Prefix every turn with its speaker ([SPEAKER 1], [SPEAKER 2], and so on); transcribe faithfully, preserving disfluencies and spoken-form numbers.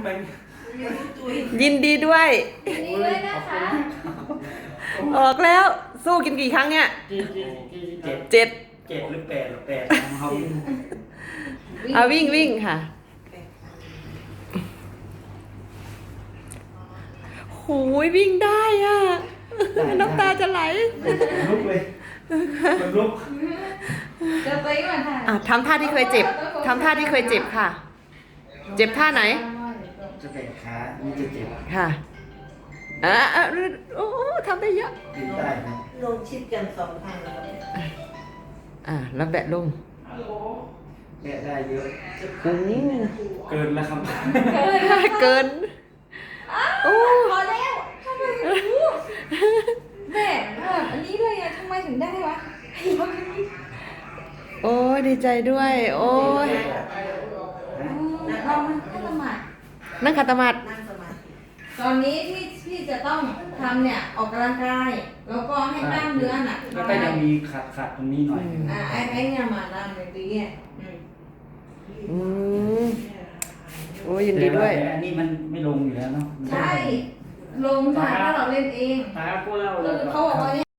[SPEAKER 1] แบงค์
[SPEAKER 2] ยินดีด้วย
[SPEAKER 3] ยินดีด้วยนะคะ
[SPEAKER 2] ออกแล้วสู้กินกี่ครั้งเนี่ย
[SPEAKER 1] ที่ที่ที่เจ็ด
[SPEAKER 2] เจ็ด
[SPEAKER 1] เจ็ดหรือแปดหรือแปดนะครับ
[SPEAKER 2] เอาวิ่งวิ่งค่ะโหยวิ่งได้อ่ะน้ำตาจะไหล
[SPEAKER 1] ลุกเลยมันลุก
[SPEAKER 3] จะไปก่อนค่ะ
[SPEAKER 2] อ่ะทำท่าที่เคยเจ็บทำท่าที่เคยเจ็บค่ะ เจ็บท่าไหน
[SPEAKER 1] จะแตกขามันจะเจ็บ
[SPEAKER 2] ค่ะอ่ะอ่ะโอ้ทำได้เยอะ
[SPEAKER 1] กินได้นะ
[SPEAKER 4] ลงชิดกันสองทางแล้ว
[SPEAKER 2] อ่ะแล้วแบะลง
[SPEAKER 1] แกะได้เยอะ
[SPEAKER 2] โอ้
[SPEAKER 1] เกินแล้วครับ
[SPEAKER 2] เกินโอ้
[SPEAKER 3] พอแล้วทำไมถึงรู้แม่แบบอันนี้เลยอะทำไมถึงได้วะ
[SPEAKER 2] โอ้ยดีใจด้วย โอ้ย
[SPEAKER 3] เรามันก็สมัคร
[SPEAKER 2] นั่งขัดสมาธิ
[SPEAKER 4] นั่งสมาธิ
[SPEAKER 3] ตอนนี้ที่ที่จะต้องทำเนี่ยออกกำลังกาย แล้วก็ให้กล้ามเนื้อหนัก
[SPEAKER 1] แล้วก็ยังมีขัดขัดตรงนี้หน่อย
[SPEAKER 3] อ่าไอ้ไอ้เนี่ยมาตามในปีเนี่ยอืม
[SPEAKER 2] อืมโอ้ยยินดีด้วย
[SPEAKER 1] แต่อันนี้มันไม่ลงอยู่แล้วเนาะ
[SPEAKER 3] ใช่ ลงค่ะถ้าเราเล่นเอง
[SPEAKER 1] ตาก็เล่า
[SPEAKER 3] คื
[SPEAKER 1] แล้
[SPEAKER 3] อ
[SPEAKER 1] ว
[SPEAKER 3] เขาบอกว่าเนี่ย